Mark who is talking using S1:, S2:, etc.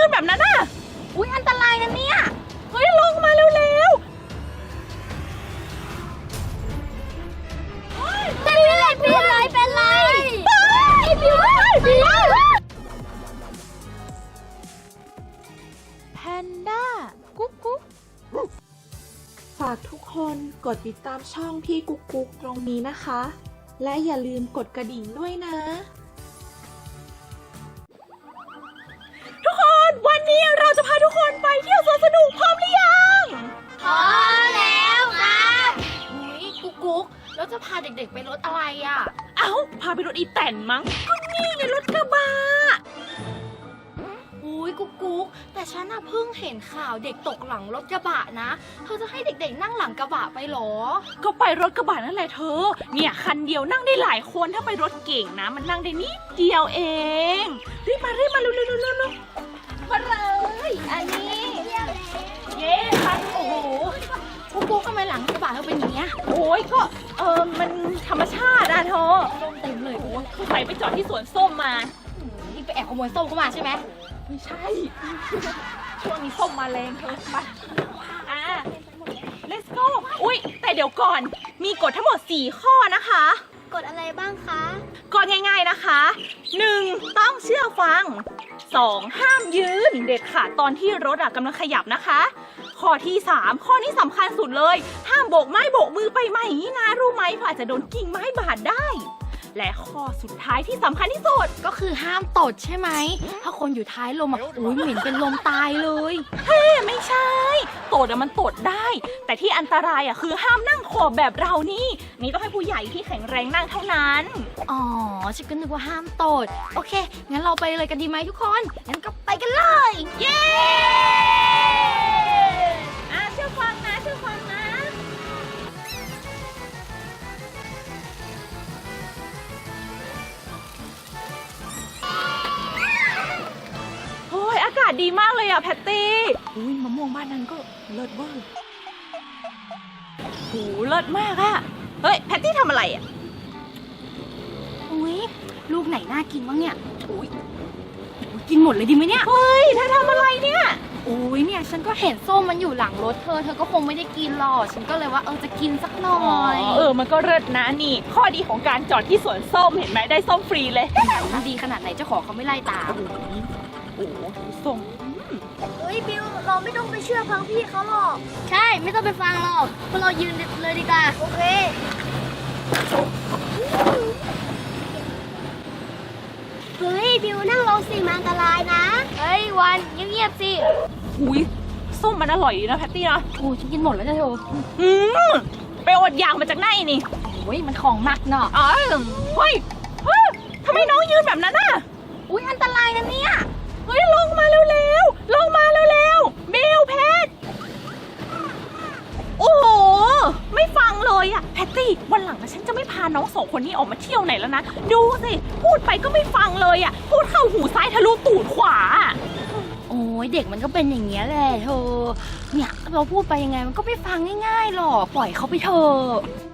S1: นแบบนั้นน่ะอุ๊ยอันตรายนะเนี่ยเฮ้ยลงมาเร็วๆ
S2: เป็นไร
S1: แพนด้ากุ๊กกุ๊ก
S3: ฝากทุกคนกดติดตามช่องพี่กุ๊กกุ๊กตรงนี้นะคะ และอย่าลืมกดกระดิ่งด้วยนะ
S1: ทุกคนวันนี้เราจะพาทุกคนไปเที่ยวสวนสนุกพร้อมหรือยัง
S2: พอแล้วครับ
S4: อุ๊ยกุ๊กแล้วจะพาเด็กๆไปรถอะไรอ่ะ
S1: เอ้าพาไปรถอีแตนมั้งก็นี่ไงรถกระบะ
S4: อุ๊ยกุ๊กแต่ฉันน่ะเพิ่งเห็นข่าวเด็กตกหลังรถกระบะนะเธอจะให้เด็กๆนั่งหลังกระบะไปเหรอ
S1: ก็ไปรถกระบะนั่นแหละเธอเนี่ยคันเดียวนั่งได้หลายคนถ้าไปรถเก่งนะมันนั่งได้นิดเดียวเองรีบมาเร็วมาเลยอันนี้เย้คันโอ้โห
S4: กุ๊กทำไมหลังกระบะเธอเป็นอย่างเงี้ย
S1: โอ้ยก็มันธรรมชาติอะเธอ
S4: ส้มเต็มเลย
S1: โอ้ยคือไปจอดที่สวนส้มมา
S4: นี่ไปแอบขโมยส้มเข้ามาใช่ไหม
S1: ไม่ใช่ ช่วงนี้ส้มมาแรงเธอมาlet's go อุ๊ยแต่เดี๋ยวก่อนมีกฎทั้งหมด4ข้อนะคะ
S2: กดอะไรบ้างคะ
S1: กฎง่ายๆนะคะ 1. ต้องเชื่อฟัง 2. ห้ามยืนเด็ดขาดตอนที่รถกำลังขยับนะคะ ข้อที่ 3 ข้อนี้สำคัญสุดเลย ห้ามโบกไม้โบกมือไปมาอย่างนี้นะรู้ไหมเพราะอาจจะโดนกิ่งไม้บาดได้ และข้อสุดท้ายที่สำคัญที่สุด
S4: ก็คือห้ามตดใช่ไหมถ้าคนอยู่ท้ายลมอ่ะอุ๊ยเหม็นเป็นลมตายเลย
S1: ไม่ใช่ตดมันตดได้ แต่ที่อันตรายคือห้ามนั่งขอบแบบเรานี่ต้องให้ผู้ใหญ่ที่แข็งแรงนั่งเท่านั้น
S4: อ๋อฉันก็นึกว่าห้ามตดโอเคงั้นเราไปเลยกันดีไหมทุกคนงั้นก็ไปกันเลย
S1: เย้เชื่อฟังนะเชื่อฟังนะโอ้ยอากาศดีมากเลยแพตตี้อุ้ยมะม่วงบ้านนั้นก็เลิศเวอร์โหเลิศมากเฮ้ยแพตตี้ทำอะไร
S4: อุ๊ยลูกไหนน่ากินบ้างเนี่ยอุ๊ยกินหมดเลยดีไหมเนี่ย
S1: เฮ้ยเธอทำอะไรเนี่ย
S4: อุ๊ยเนี่ยฉันก็เห็นส้มมันอยู่หลังรถเธอก็คงไม่ได้กินหรอกฉันก็เลยว่าจะกินสักหน่อย
S1: มันก็เลิศนะนี่ ข้อดีของการจอดที่สวนส้มเห็นไหมได้ส้มฟรีเลย
S4: มันดีขนาดไหนเจ้าของเขาไม่ไล่ตาม
S1: โอ้โหส้ม
S2: เฮ้ยบิวเราไม่ต้องไปเชื่อฟังพี่เขาหรอก ใช่ไม่ต้องไปฟังหรอกพวกเรายืนเลยดีกว่าโอเคเฮ้ยบิวนั่งลงสิมันอันตรายนะเฮ้ยวันเงียบๆสิ
S1: อุ้ยส้มมันอร่อยดีนะแพตตี้นะ
S4: โอ้ฉันกินหมดแล้วจ้ะเธอ
S1: ไปอดอยากมาจากไหนนี่
S4: โอ้ยมันของหนักเนาะ
S1: เฮ้ยทำไมน้องยืนแบบนั้น
S4: อุ๊ยอันตรายนะเนี่ย
S1: เฮ้ยลงมาเร็วๆลงมาเร็วๆเบลแพทโอ้โหไม่ฟังเลยแพตตี้วันหลังฉันจะไม่พาน้อง2คนนี้ออกมาเที่ยวไหนแล้วนะดูสิพูดไปก็ไม่ฟังเลยพูดเข้าหูซ้ายทะลุตูดขวา
S4: โอ้ยเด็กมันก็เป็นอย่างเงี้ยแหละเธอเนี่ยเราพูดไปยังไงมันก็ไม่ฟังง่ายๆหรอกปล่อยเขาไปเถอะ